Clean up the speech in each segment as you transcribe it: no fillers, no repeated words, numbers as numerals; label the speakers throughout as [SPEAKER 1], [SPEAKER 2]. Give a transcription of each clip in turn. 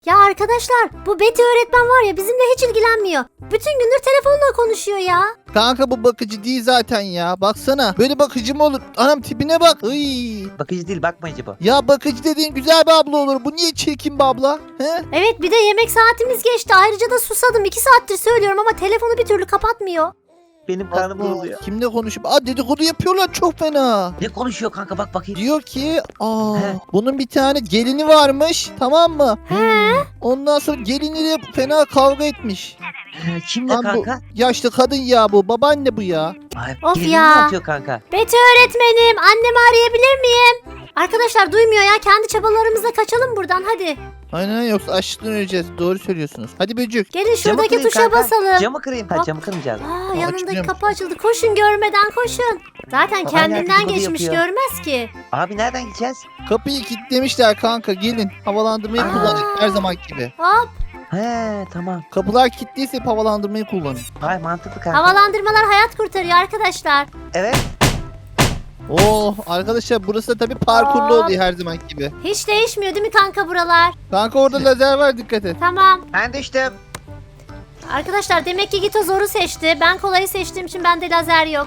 [SPEAKER 1] Ya arkadaşlar, bu Betty öğretmen var ya, bizimle hiç ilgilenmiyor. Bütün gündür telefonla konuşuyor ya.
[SPEAKER 2] Kanka bu bakıcı değil zaten ya. Baksana. Böyle bakıcı mı olur? Anam tipine bak. Iy.
[SPEAKER 3] Bakıcı değil, bakmayıcı bu.
[SPEAKER 2] Ya bakıcı dediğin güzel bir abla olur. Bu niye çirkin bir abla? He?
[SPEAKER 1] Evet, bir de yemek saatimiz geçti. Ayrıca da susadım. 2 saattir söylüyorum ama telefonu bir türlü kapatmıyor.
[SPEAKER 3] Benim karnım
[SPEAKER 2] Allah,
[SPEAKER 3] bozuluyor.
[SPEAKER 2] kimle konuşup? Aa, dedikodu yapıyorlar çok fena.
[SPEAKER 3] Ne konuşuyor kanka, bak bakayım.
[SPEAKER 2] Diyor ki
[SPEAKER 3] He.
[SPEAKER 2] bunun bir tane gelini varmış, tamam mı?
[SPEAKER 1] He?
[SPEAKER 2] Ondan sonra geliniyle fena kavga etmiş.
[SPEAKER 3] Kimle
[SPEAKER 2] Lan bu
[SPEAKER 3] kanka?
[SPEAKER 2] yaşlı kadın ya bu. Babaanne bu ya.
[SPEAKER 3] Ay,
[SPEAKER 1] Of
[SPEAKER 3] gelini
[SPEAKER 1] ya.
[SPEAKER 3] mi atıyor kanka?
[SPEAKER 1] Betty öğretmenim, annemi arayabilir miyim? Arkadaşlar duymuyor ya. Kendi çabalarımızla kaçalım buradan hadi.
[SPEAKER 2] Aynen, yoksa açlıktan öleceğiz. Doğru söylüyorsunuz. Hadi böcük.
[SPEAKER 1] Gelin
[SPEAKER 3] Camı
[SPEAKER 1] şuradaki
[SPEAKER 3] kırayım
[SPEAKER 1] tuşa
[SPEAKER 3] kanka.
[SPEAKER 1] basalım.
[SPEAKER 3] Camı kırayım. Ha,
[SPEAKER 1] Hop.
[SPEAKER 3] camı kırmayacağız.
[SPEAKER 1] Aa, yanındaki
[SPEAKER 2] açılıyormuş.
[SPEAKER 1] kapı açıldı. Koşun, görmeden koşun. Zaten kendinden
[SPEAKER 3] dedikodu
[SPEAKER 1] geçmiş,
[SPEAKER 3] yapıyor.
[SPEAKER 1] görmez ki.
[SPEAKER 3] Abi nereden gideceğiz?
[SPEAKER 2] Kapıyı kilitlemişler kanka, gelin. Havalandırmayı
[SPEAKER 3] Aa.
[SPEAKER 2] kullanın her zaman gibi.
[SPEAKER 1] Hop.
[SPEAKER 3] He tamam.
[SPEAKER 2] Kapılar kilitliyse hep havalandırmayı kullanın.
[SPEAKER 3] Hay mantıklı kanka.
[SPEAKER 1] Havalandırmalar hayat kurtarıyor arkadaşlar.
[SPEAKER 3] Evet.
[SPEAKER 2] Oh arkadaşlar, burası da tabii parkurlu
[SPEAKER 1] Hop.
[SPEAKER 2] oluyor her zaman gibi.
[SPEAKER 1] Hiç değişmiyor değil mi kanka buralar?
[SPEAKER 2] Kanka orada lazer var, dikkat et.
[SPEAKER 1] Tamam.
[SPEAKER 3] Ben düştüm.
[SPEAKER 1] Arkadaşlar demek ki Gito zoru seçti. Ben kolayı seçtiğim için bende lazer yok.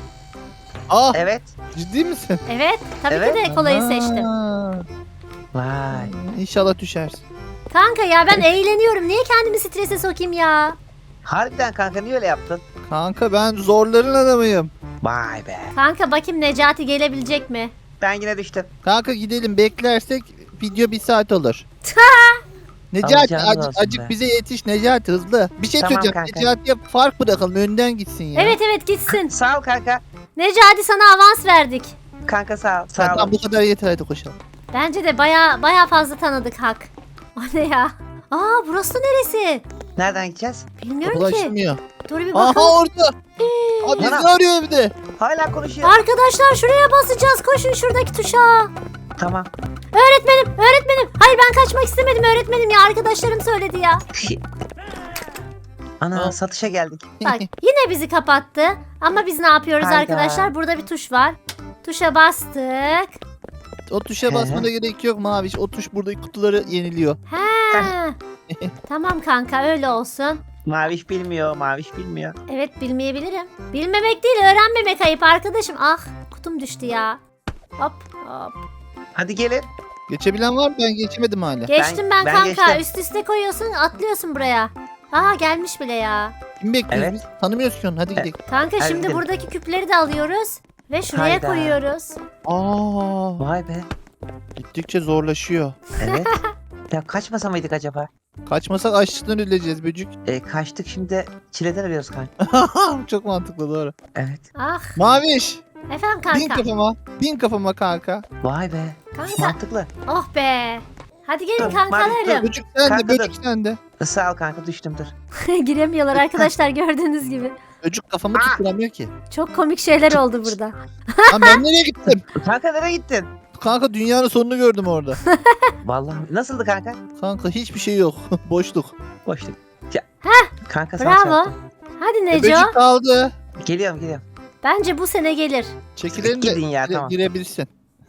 [SPEAKER 2] Ah,
[SPEAKER 3] Evet.
[SPEAKER 2] ciddi misin?
[SPEAKER 1] Evet. Tabii
[SPEAKER 3] Evet.
[SPEAKER 1] ki de kolayı seçtim.
[SPEAKER 2] Aa,
[SPEAKER 3] Vay.
[SPEAKER 2] İnşallah düşersin.
[SPEAKER 1] Kanka ya ben eğleniyorum. Niye kendimi strese sokayım ya?
[SPEAKER 3] Harbiden kanka, niye öyle yaptın?
[SPEAKER 2] Kanka ben zorların adamıyım.
[SPEAKER 3] Vay be.
[SPEAKER 1] Kanka bakayım Necati gelebilecek mi?
[SPEAKER 3] Ben yine düştüm.
[SPEAKER 2] Kanka gidelim, beklersek video 1 saat olur. Necati
[SPEAKER 3] Alacağınız olsun
[SPEAKER 2] acık
[SPEAKER 3] be.
[SPEAKER 2] bize yetiş Necati, hızlı. Bir şey
[SPEAKER 3] Tamam
[SPEAKER 2] söyleyeceğim.
[SPEAKER 3] kanka.
[SPEAKER 2] Necati'ye fark bırakalım, önden gitsin ya.
[SPEAKER 1] Evet evet gitsin.
[SPEAKER 3] Sağ ol kanka.
[SPEAKER 1] Necati sana avans verdik.
[SPEAKER 3] Kanka sağ ol. Sağ
[SPEAKER 2] Tamam,
[SPEAKER 3] ol.
[SPEAKER 2] bu kadar yeter, hadi koşalım.
[SPEAKER 1] Bence de baya fazla tanıdık Hak. O ne ya? Aa burası neresi?
[SPEAKER 3] Nereden gideceğiz?
[SPEAKER 1] Bilmiyorum
[SPEAKER 2] Kapılar
[SPEAKER 1] ki.
[SPEAKER 2] açılmıyor.
[SPEAKER 1] Dur bir
[SPEAKER 2] Aha
[SPEAKER 1] bakalım.
[SPEAKER 2] orada. Abi bizi
[SPEAKER 3] Ana.
[SPEAKER 2] arıyor evde.
[SPEAKER 3] Hala konuşuyor.
[SPEAKER 1] Arkadaşlar şuraya basacağız. Koşun şuradaki tuşa.
[SPEAKER 3] Tamam.
[SPEAKER 1] Öğretmenim. Hayır ben kaçmak istemedim öğretmenim ya. Arkadaşlarım söyledi ya.
[SPEAKER 3] Ana
[SPEAKER 2] Aa.
[SPEAKER 3] satışa geldik.
[SPEAKER 1] Bak yine bizi kapattı. Ama biz ne yapıyoruz
[SPEAKER 3] Hayda.
[SPEAKER 1] arkadaşlar? Burada bir tuş var. Tuşa bastık.
[SPEAKER 2] O tuşa basmana gerek yok Maviş. O tuş buradaki kutuları yeniliyor.
[SPEAKER 1] He. Tamam kanka öyle olsun.
[SPEAKER 3] Maviş bilmiyor. Maviş bilmiyor.
[SPEAKER 1] Evet bilmeyebilirim. Bilmemek değil öğrenmemek ayıp arkadaşım. Ah kutum düştü ya. Hop hop.
[SPEAKER 3] Hadi gelin.
[SPEAKER 2] Geçebilen var mı? Ben geçemedim hala.
[SPEAKER 1] Geçtim ben
[SPEAKER 3] ben
[SPEAKER 1] kanka.
[SPEAKER 3] geçtim.
[SPEAKER 1] Üst üste koyuyorsun atlıyorsun buraya. Aa gelmiş bile ya.
[SPEAKER 2] Kim bekliyoruz
[SPEAKER 3] Evet.
[SPEAKER 2] biz? Tanımıyoruz ki onu. Hadi gidelim.
[SPEAKER 1] Kanka
[SPEAKER 3] Hadi
[SPEAKER 1] şimdi
[SPEAKER 3] gidelim.
[SPEAKER 1] buradaki küpleri de alıyoruz. Ve şuraya
[SPEAKER 3] Hayda.
[SPEAKER 1] koyuyoruz.
[SPEAKER 2] Aa,
[SPEAKER 3] Vay be.
[SPEAKER 2] gittikçe zorlaşıyor.
[SPEAKER 3] Evet. Ya kaçmasa mıydık acaba?
[SPEAKER 2] Kaçmasak açlıktan öleceğiz böcük.
[SPEAKER 3] Kaçtık, şimdi çileden arıyoruz kanka.
[SPEAKER 2] Çok mantıklı, doğru.
[SPEAKER 3] Evet.
[SPEAKER 1] Ah
[SPEAKER 2] Maviş.
[SPEAKER 1] efendim
[SPEAKER 2] Bin
[SPEAKER 1] kanka.
[SPEAKER 2] kafama. Bin kafama kanka.
[SPEAKER 3] Vay be.
[SPEAKER 1] Kanka
[SPEAKER 3] Mantıklı.
[SPEAKER 1] oh be. Hadi gelin
[SPEAKER 3] Dur,
[SPEAKER 1] kankalarım.
[SPEAKER 2] Böcük sende,
[SPEAKER 3] Kanka
[SPEAKER 2] böcük
[SPEAKER 3] dur.
[SPEAKER 2] sende.
[SPEAKER 3] Sağ ol kanka, düştüm dur.
[SPEAKER 1] Giremiyorlar arkadaşlar gördüğünüz gibi.
[SPEAKER 2] Böcük kafamı
[SPEAKER 3] Aa!
[SPEAKER 2] tutturamıyor ki.
[SPEAKER 1] Çok komik şeyler oldu burada.
[SPEAKER 2] Lan ben nereye gittim?
[SPEAKER 3] Kanka nereye gittin?
[SPEAKER 2] Kanka dünyanın sonunu gördüm orada.
[SPEAKER 3] Vallahi nasıldı kanka?
[SPEAKER 2] Kanka hiçbir şey yok. Boşluk.
[SPEAKER 3] Boşluk. Ya. Kanka sağ
[SPEAKER 1] Bravo.
[SPEAKER 3] çarptım.
[SPEAKER 1] Hadi Neco.
[SPEAKER 2] Böcük kaldı.
[SPEAKER 3] Geliyorum.
[SPEAKER 1] Bence bu sene gelir.
[SPEAKER 2] Çekilelim de
[SPEAKER 3] Gidin ya, tamam.
[SPEAKER 2] girebilirsin.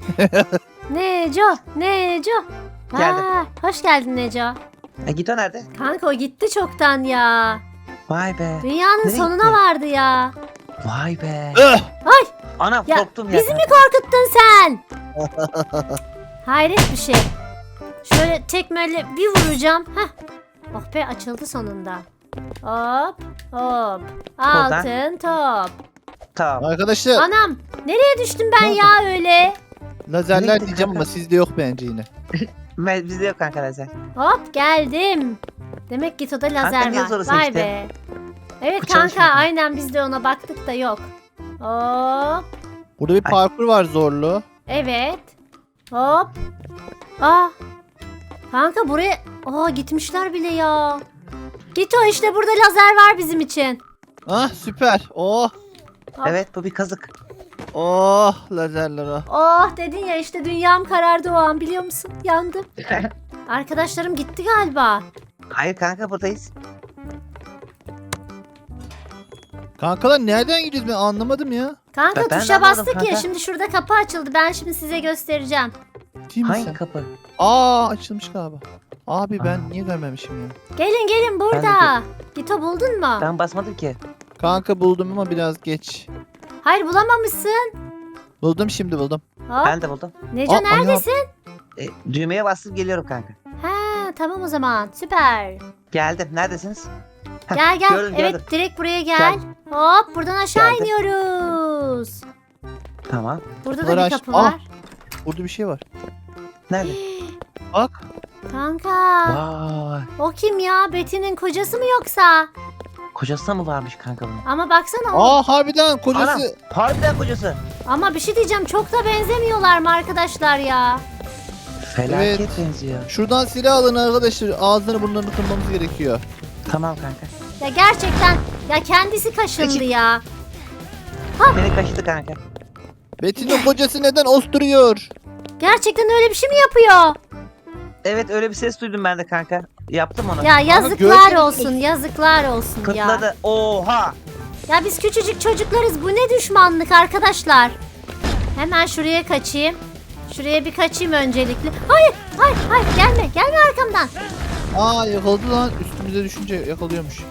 [SPEAKER 1] Neco.
[SPEAKER 3] Geldim.
[SPEAKER 1] Aa, hoş geldin Neco.
[SPEAKER 3] Git, o nerede?
[SPEAKER 1] Kanka o gitti çoktan ya.
[SPEAKER 3] Vay be.
[SPEAKER 1] Dünyanın
[SPEAKER 3] Nereye
[SPEAKER 1] sonuna
[SPEAKER 3] gitti?
[SPEAKER 1] vardı ya.
[SPEAKER 3] Vay be.
[SPEAKER 1] Ay
[SPEAKER 3] Anam
[SPEAKER 1] ya,
[SPEAKER 3] korktum ya.
[SPEAKER 1] bizi mi korkuttun sen? Hayret bir şey. Şöyle tekmeyle bir vuracağım. Heh. Oh be açıldı sonunda. Hop hop. Altın top.
[SPEAKER 3] Tamam.
[SPEAKER 2] Arkadaşlar
[SPEAKER 1] Anam nereye düştüm ben ya öyle?
[SPEAKER 2] lazerler
[SPEAKER 3] Nereye
[SPEAKER 2] diyeceğim
[SPEAKER 3] kanka?
[SPEAKER 2] ama sizde yok bence yine.
[SPEAKER 3] Bizde yok kanka lazer.
[SPEAKER 1] Hop geldim. Demek Gito'da lazer
[SPEAKER 3] niye
[SPEAKER 1] var.
[SPEAKER 3] zoru
[SPEAKER 1] Vay
[SPEAKER 3] seçtin?
[SPEAKER 1] be. Evet
[SPEAKER 3] Bu
[SPEAKER 1] kanka
[SPEAKER 3] çalışmıyor.
[SPEAKER 1] aynen biz de ona baktık da yok. Hop.
[SPEAKER 2] Burada bir
[SPEAKER 3] Ay.
[SPEAKER 2] parkur var zorlu.
[SPEAKER 1] Evet. Hop. Aa. Kanka buraya... Aa gitmişler bile ya. Gito işte burada lazer var bizim için.
[SPEAKER 2] Ah süper. Oh.
[SPEAKER 1] Hop.
[SPEAKER 3] Evet, bu bir kazık.
[SPEAKER 2] Oh lazerler oh.
[SPEAKER 1] Oh dedin ya işte dünyam karardı o an biliyor musun? Yandım. Arkadaşlarım gitti galiba.
[SPEAKER 3] Hayır kanka, buradayız.
[SPEAKER 2] Kankalar nereden gidiyoruz, ben anlamadım ya.
[SPEAKER 1] Kanka
[SPEAKER 3] Ben de
[SPEAKER 1] tuşa
[SPEAKER 3] anlamadım
[SPEAKER 1] bastık ya
[SPEAKER 3] kanka.
[SPEAKER 1] şimdi şurada kapı açıldı. Ben şimdi size göstereceğim.
[SPEAKER 2] Değil
[SPEAKER 3] Hangi
[SPEAKER 2] misin?
[SPEAKER 3] kapı?
[SPEAKER 2] Aa açılmış galiba. Abi ben niye görmemişim ya?
[SPEAKER 1] Gelin gelin burada. Gito buldun mu?
[SPEAKER 3] Ben basmadım ki.
[SPEAKER 2] Kanka buldum ama biraz geç.
[SPEAKER 1] Hayır bulamamışsın.
[SPEAKER 2] Buldum, şimdi buldum.
[SPEAKER 1] Hop.
[SPEAKER 3] Ben de buldum.
[SPEAKER 1] Neco
[SPEAKER 2] Aa,
[SPEAKER 1] neredesin?
[SPEAKER 3] Düğmeye bastım geliyorum kanka.
[SPEAKER 1] Ha tamam o zaman süper.
[SPEAKER 3] Geldim. Neredesiniz? Heh,
[SPEAKER 1] Gel gel.
[SPEAKER 3] gördüm,
[SPEAKER 1] Evet
[SPEAKER 3] gördüm.
[SPEAKER 1] direkt buraya gel.
[SPEAKER 3] Gel.
[SPEAKER 1] Hop buradan aşağı
[SPEAKER 3] Geldim.
[SPEAKER 1] iniyoruz.
[SPEAKER 3] Tamam.
[SPEAKER 1] Burada da
[SPEAKER 2] Kapıları
[SPEAKER 1] bir
[SPEAKER 2] aç.
[SPEAKER 1] kapı
[SPEAKER 2] Aa.
[SPEAKER 1] var.
[SPEAKER 2] Burada bir şey var.
[SPEAKER 3] Nerede?
[SPEAKER 2] Bak.
[SPEAKER 1] Kanka.
[SPEAKER 3] Vay.
[SPEAKER 1] O kim ya? Betty'nin kocası mı yoksa?
[SPEAKER 3] Kocası mı varmış kanka bunun?
[SPEAKER 1] Ama baksana o.
[SPEAKER 2] Aa harbiden kocası.
[SPEAKER 3] Anam. Harbiden kocası.
[SPEAKER 1] Ama bir şey diyeceğim çok da benzemiyorlar mı arkadaşlar ya?
[SPEAKER 3] Felaket
[SPEAKER 2] Evet.
[SPEAKER 3] benziyor.
[SPEAKER 2] Şuradan silah alın arkadaşlar. Ağzını burnlarını kırmamız gerekiyor.
[SPEAKER 3] Tamam kanka.
[SPEAKER 1] Ya gerçekten ya kendisi kaşındı
[SPEAKER 3] Peki.
[SPEAKER 1] ya.
[SPEAKER 3] Beni kaşıdı kanka.
[SPEAKER 2] Betty'nin kocası neden osturuyor?
[SPEAKER 1] Gerçekten öyle bir şey mi yapıyor?
[SPEAKER 3] Evet öyle bir ses duydum ben de kanka. Yaptım onu.
[SPEAKER 1] Ya yazıklar
[SPEAKER 2] görseniz-
[SPEAKER 1] olsun, yazıklar olsun ya.
[SPEAKER 3] Kıtladı. Oha.
[SPEAKER 1] Ya biz küçücük çocuklarız. Bu ne düşmanlık arkadaşlar? Hemen şuraya kaçayım. Şuraya bir kaçayım öncelikle. Hayır, hayır, hayır. Gelme, gelme arkamdan.
[SPEAKER 2] Aa yakaladı lan. Üstümüze düşünce yakalıyormuş.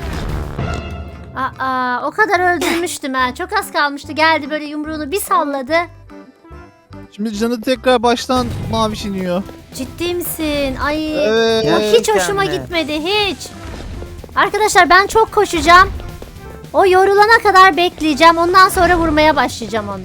[SPEAKER 1] Aa, o kadar öldürmüştüm ha. Çok az kalmıştı. Geldi böyle yumruğunu bir salladı.
[SPEAKER 2] Şimdi canı tekrar baştan maviş iniyor.
[SPEAKER 1] Ciddi misin? Ay.
[SPEAKER 2] Evet.
[SPEAKER 1] O hiç hoşuma
[SPEAKER 3] Gerçekten mi?
[SPEAKER 1] gitmedi hiç. Arkadaşlar ben çok koşacağım. O yorulana kadar bekleyeceğim. Ondan sonra vurmaya başlayacağım onu.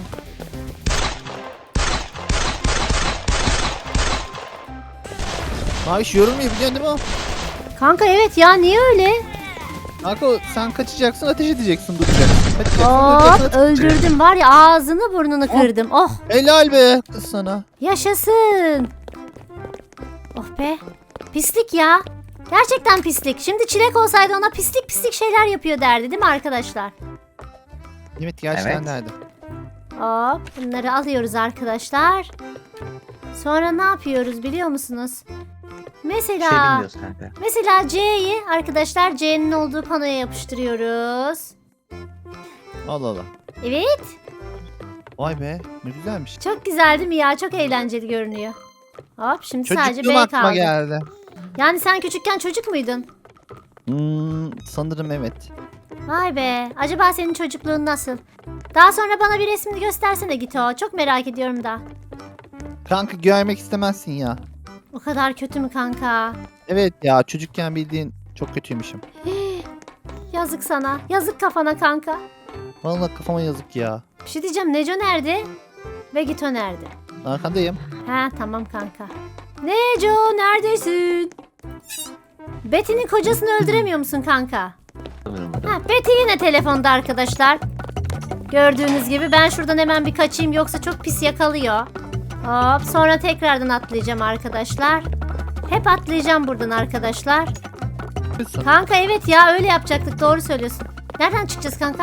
[SPEAKER 2] Maviş yorulmuyor biliyorsun değil mi?
[SPEAKER 1] Kanka evet ya niye öyle?
[SPEAKER 2] Kanka sen kaçacaksın, ateş edeceksin, duracaksın. Kaçacaksın,
[SPEAKER 1] Hop
[SPEAKER 2] duracaksın, ateş edeceksin.
[SPEAKER 1] öldürdüm var ya ağzını burnunu kırdım. Oh
[SPEAKER 2] Helal be kız sana.
[SPEAKER 1] yaşasın. Oh be pislik ya. Gerçekten pislik. Şimdi Çilek olsaydı ona pislik pislik şeyler yapıyor derdi değil mi arkadaşlar?
[SPEAKER 2] Evet gerçekten
[SPEAKER 3] Evet.
[SPEAKER 2] nerede?
[SPEAKER 1] Hop bunları alıyoruz arkadaşlar. Sonra ne yapıyoruz biliyor musunuz?
[SPEAKER 3] Bir şey
[SPEAKER 1] Mesela
[SPEAKER 3] bilmiyoruz kanka.
[SPEAKER 1] mesela C'yi arkadaşlar C'nin olduğu panoya yapıştırıyoruz.
[SPEAKER 2] Allah Allah.
[SPEAKER 1] Evet
[SPEAKER 2] Vay be ne güzelmiş.
[SPEAKER 1] çok güzel değil mi ya? Çok eğlenceli görünüyor. Hop şimdi sadece
[SPEAKER 2] Çocukluğum
[SPEAKER 1] B
[SPEAKER 2] aklıma
[SPEAKER 1] kaldı.
[SPEAKER 2] geldi.
[SPEAKER 1] Yani sen küçükken çocuk muydun?
[SPEAKER 2] Sanırım evet.
[SPEAKER 1] Vay be. Acaba senin çocukluğun nasıl? Daha sonra bana bir resmini göstersene Gito. Çok merak ediyorum da.
[SPEAKER 2] Kanka görmek istemezsin ya.
[SPEAKER 1] O kadar kötü mü kanka?
[SPEAKER 2] Evet ya çocukken bildiğin çok kötüymüşüm.
[SPEAKER 1] Yazık sana. Yazık kafana kanka.
[SPEAKER 2] Vallahi kafama yazık ya.
[SPEAKER 1] Bir şey diyeceğim. Neco nerede? Ve Gito nerede?
[SPEAKER 2] Arkandayım.
[SPEAKER 1] Ha tamam kanka. Neco neredesin? Betty'nin kocasını öldüremiyor musun kanka? Ha, Betty yine telefonda arkadaşlar. Gördüğünüz gibi ben şuradan hemen bir kaçayım yoksa çok pis yakalıyor. Hop sonra tekrardan atlayacağım arkadaşlar. Hep atlayacağım buradan arkadaşlar.
[SPEAKER 2] Kızsın.
[SPEAKER 1] Kanka evet ya öyle yapacaktık doğru söylüyorsun. Nereden çıkacağız kanka?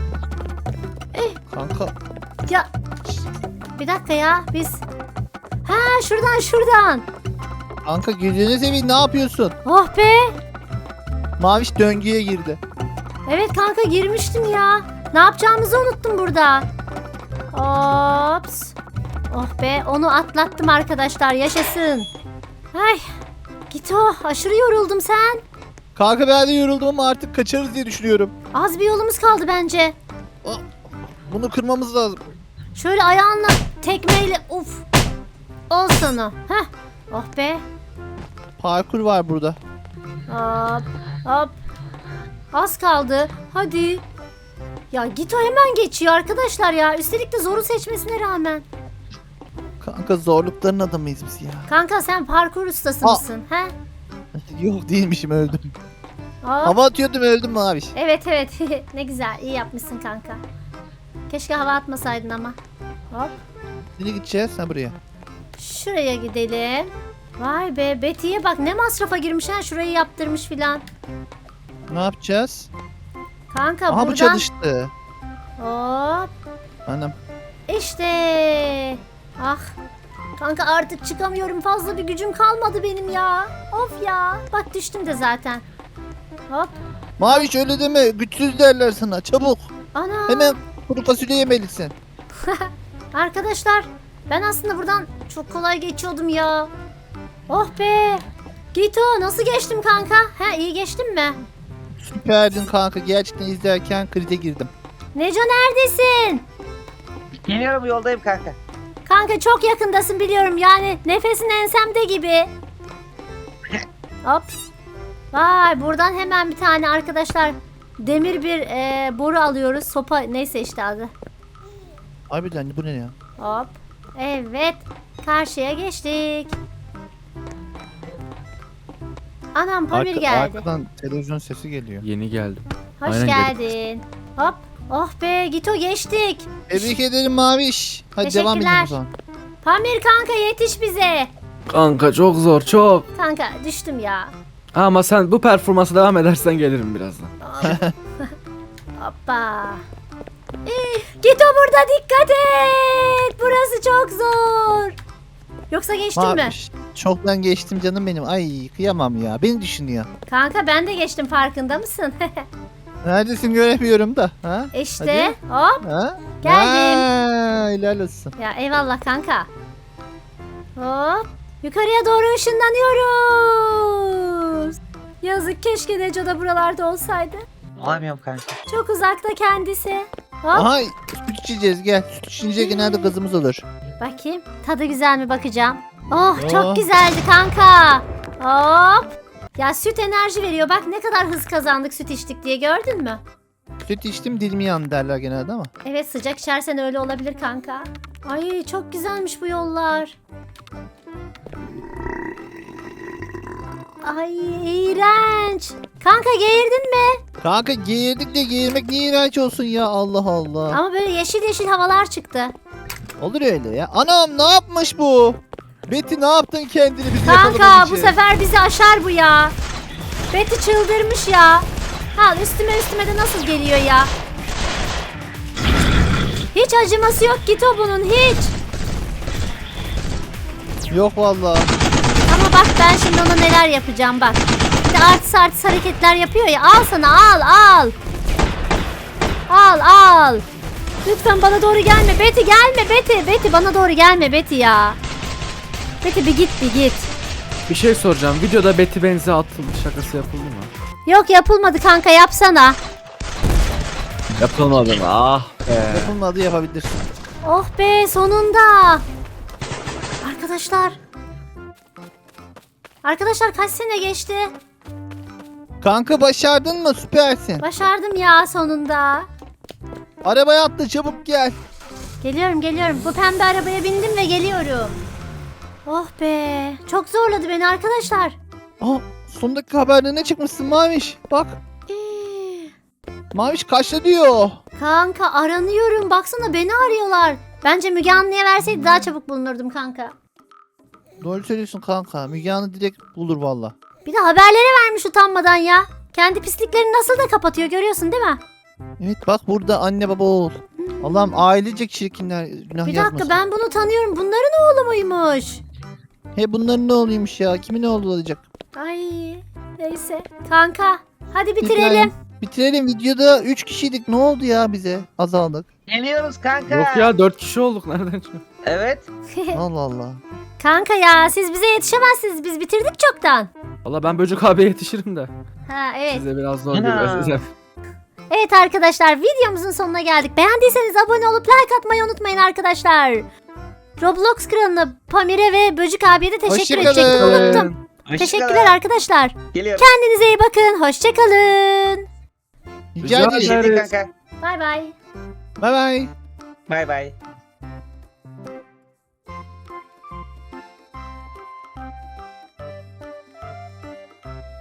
[SPEAKER 2] Kanka
[SPEAKER 1] Ya bir dakika ya biz. Ha şuradan.
[SPEAKER 2] kanka gözünü seveyim ne yapıyorsun?
[SPEAKER 1] Oh be.
[SPEAKER 2] Maviş döngüye girdi.
[SPEAKER 1] Evet kanka girmiştim ya. Ne yapacağımızı unuttum burada. Ops. Oh be onu atlattım arkadaşlar yaşasın. Ay. Gito aşırı yoruldum sen.
[SPEAKER 2] Kanka ben de yoruldum ama artık kaçarız diye düşünüyorum.
[SPEAKER 1] Az bir yolumuz kaldı bence.
[SPEAKER 2] Bunu kırmamız lazım.
[SPEAKER 1] Şöyle ayağınla tekmeyle uf. Ol sana. Heh. Oh be.
[SPEAKER 2] Parkur var burada.
[SPEAKER 1] Hop hop. Az kaldı. Hadi. Ya Gito hemen geçiyor arkadaşlar ya. Üstelik de zoru seçmesine rağmen.
[SPEAKER 2] Kanka zorlukların adamıyız biz ya.
[SPEAKER 1] Kanka sen parkur ustası
[SPEAKER 2] Aa.
[SPEAKER 1] mısın? He?
[SPEAKER 2] Yok değilmişim öldüm.
[SPEAKER 1] Hop.
[SPEAKER 2] Hava atıyordum öldüm Maviş.
[SPEAKER 1] Evet evet. Ne güzel. İyi yapmışsın kanka. Keşke hava atmasaydın ama. Hop.
[SPEAKER 2] Nereye gideceğiz? Ha buraya.
[SPEAKER 1] Şuraya gidelim. Vay be Betty'ye bak ne masrafa girmiş ha şurayı yaptırmış filan.
[SPEAKER 2] Ne yapacağız?
[SPEAKER 1] Kanka
[SPEAKER 2] Aha bu
[SPEAKER 1] buradan.
[SPEAKER 2] çalıştı.
[SPEAKER 1] Hop.
[SPEAKER 2] Anam.
[SPEAKER 1] İşte. Ah. Kanka artık çıkamıyorum fazla bir gücüm kalmadı benim ya. Of ya. Bak düştüm de zaten. Hop.
[SPEAKER 2] Maviş öyle deme. Güçsüz derler sana. Çabuk.
[SPEAKER 1] Ana.
[SPEAKER 2] Hemen kuru fasulye yemelisin.
[SPEAKER 1] Arkadaşlar ben aslında buradan çok kolay geçiyordum ya. Oh be. Gito nasıl geçtim kanka? He iyi geçtim mi?
[SPEAKER 2] Süperdin kanka. Gerçekten izlerken krize girdim.
[SPEAKER 1] Neco neredesin?
[SPEAKER 3] Geliyorum, yoldayım kanka.
[SPEAKER 1] Kanka çok yakındasın biliyorum yani nefesin ensemde gibi. Hop. Vay buradan hemen bir tane arkadaşlar demir bir boru alıyoruz. Sopa neyse işte adı.
[SPEAKER 2] Harbiden bu ne ya?
[SPEAKER 1] Hop. Evet. Karşıya geçtik. Anam Pamir geldi.
[SPEAKER 2] Arkadan televizyon sesi geliyor.
[SPEAKER 4] Yeni geldim.
[SPEAKER 1] Hoş
[SPEAKER 4] Aynen
[SPEAKER 1] geldin. Hop. Oh be Gito geçtik.
[SPEAKER 2] Tebrik ederim Maviş. Hadi devam edelim o zaman.
[SPEAKER 1] Pamir kanka yetiş bize.
[SPEAKER 4] Kanka çok zor çok.
[SPEAKER 1] Kanka düştüm ya.
[SPEAKER 4] Ama sen bu performansa devam edersen gelirim birazdan.
[SPEAKER 1] Hoppa. Gito burada dikkat et. Burası çok zor. Yoksa geçtin mi?
[SPEAKER 2] Maviş. Çoktan geçtim canım benim. Ay kıyamam ya. Beni düşünüyor.
[SPEAKER 1] Kanka ben de geçtim farkında mısın?
[SPEAKER 2] Neredesin göremiyorum da. Ha?
[SPEAKER 1] İşte hop.
[SPEAKER 2] Ha?
[SPEAKER 1] Geldim.
[SPEAKER 2] Ha, helal olsun.
[SPEAKER 1] Ya eyvallah kanka. Hop. Yukarıya doğru ışınlanıyoruz. Yazık keşke Neco da buralarda olsaydı.
[SPEAKER 3] Olamıyorum kanka.
[SPEAKER 1] Çok uzakta kendisi. Hop.
[SPEAKER 2] Aha süt içeceğiz gel. Süt içince genelde gazımız olur.
[SPEAKER 1] Bakayım. Tadı güzel mi bakacağım. Oh
[SPEAKER 2] Oh.
[SPEAKER 1] çok güzeldi kanka. Hop. Ya süt enerji veriyor. Bak ne kadar hız kazandık süt içtik diye gördün mü?
[SPEAKER 2] Süt içtim dilim yandı derler genelde ama.
[SPEAKER 1] Evet sıcak içersen öyle olabilir kanka. Ay çok güzelmiş bu yollar. Ay iğrenç. Kanka geğirdin mi?
[SPEAKER 2] Kanka geğirdik de geğirmek niye iğrenç olsun ya Allah Allah.
[SPEAKER 1] Ama böyle yeşil yeşil havalar çıktı.
[SPEAKER 2] Olur öyle ya. Anam ne yapmış bu? Betty ne yaptın kendini bizi
[SPEAKER 1] Kanka
[SPEAKER 2] yakalamak
[SPEAKER 1] bu
[SPEAKER 2] için?
[SPEAKER 1] sefer bizi aşar bu ya. Betty çıldırmış ya. Al üstüme de nasıl geliyor ya. Hiç acıması yok Gito bunun hiç.
[SPEAKER 2] Yok vallahi.
[SPEAKER 1] Ama bak ben şimdi ona neler yapacağım bak. Bir de artist hareketler yapıyor ya. Al sana al. Al. Lütfen bana doğru gelme. Betty gelme Betty. Betty bana doğru gelme Betty ya. Betty bir git.
[SPEAKER 4] Bir şey soracağım. Videoda Betty benzi atıldı şakası yapıldı mı?
[SPEAKER 1] Yok yapılmadı kanka yapsana.
[SPEAKER 4] Yapılmadı mı? Ah be.
[SPEAKER 2] Yapılmadı yapabilirsin.
[SPEAKER 1] Oh be sonunda. Arkadaşlar kaç sene geçti?
[SPEAKER 2] Kanka başardın mı? Süpersin.
[SPEAKER 1] Başardım ya sonunda.
[SPEAKER 2] Arabaya atla çabuk gel.
[SPEAKER 1] Geliyorum. Bu pembe arabaya bindim ve geliyorum. Oh be. Çok zorladı beni arkadaşlar.
[SPEAKER 2] Aa, son dakika haberlerine çıkmışsın Maviş. Bak Maviş kaçta diyor.
[SPEAKER 1] Kanka aranıyorum. Baksana beni arıyorlar. Bence Müge Anlı'ya verseydi daha çabuk bulunurdum kanka.
[SPEAKER 2] Doğru söylüyorsun kanka. Müge Anlı direkt bulur valla.
[SPEAKER 1] Bir de haberlere vermiş utanmadan ya. Kendi pisliklerini nasıl da kapatıyor görüyorsun değil mi?
[SPEAKER 2] Evet bak burada anne baba oğul. Allah'ım ailecek çirkinler günah
[SPEAKER 1] Bir
[SPEAKER 2] yazmasın.
[SPEAKER 1] dakika ben bunu tanıyorum. Bunların oğlu muymuş?
[SPEAKER 2] He bunların ne oluyormuş ya? Kimin oğlu olacak?
[SPEAKER 1] Ay neyse. Kanka hadi bitirelim.
[SPEAKER 2] İbrahim, bitirelim. Videoda 3 kişiydik. Ne oldu ya bize? Azaldık.
[SPEAKER 3] Geliyoruz kanka.
[SPEAKER 4] Yok ya 4 kişi olduk nereden çıktı?
[SPEAKER 3] Evet.
[SPEAKER 2] Allah Allah.
[SPEAKER 1] Kanka ya siz bize yetişemezsiniz. Biz bitirdik çoktan.
[SPEAKER 4] Valla ben Böcek abiye yetişirim de.
[SPEAKER 1] Ha evet.
[SPEAKER 4] Size biraz zor
[SPEAKER 3] Ana.
[SPEAKER 4] geliyor size.
[SPEAKER 1] Evet arkadaşlar videomuzun sonuna geldik. Beğendiyseniz abone olup like atmayı unutmayın arkadaşlar. Roblox kralına Pamir'e ve Böcük abiye de teşekkür
[SPEAKER 2] Hoşça
[SPEAKER 1] edecektim.
[SPEAKER 2] kalın.
[SPEAKER 1] Unuttum.
[SPEAKER 3] Hoşça
[SPEAKER 1] Teşekkürler
[SPEAKER 3] kalın.
[SPEAKER 1] arkadaşlar.
[SPEAKER 3] Geliyorum.
[SPEAKER 1] Kendinize iyi bakın. Hoşçakalın.
[SPEAKER 2] Rica
[SPEAKER 4] Rica
[SPEAKER 2] ederim.
[SPEAKER 4] ederim.
[SPEAKER 3] Geldik kanka.
[SPEAKER 1] Bay bay.
[SPEAKER 2] Bye bye.
[SPEAKER 3] Bay bay.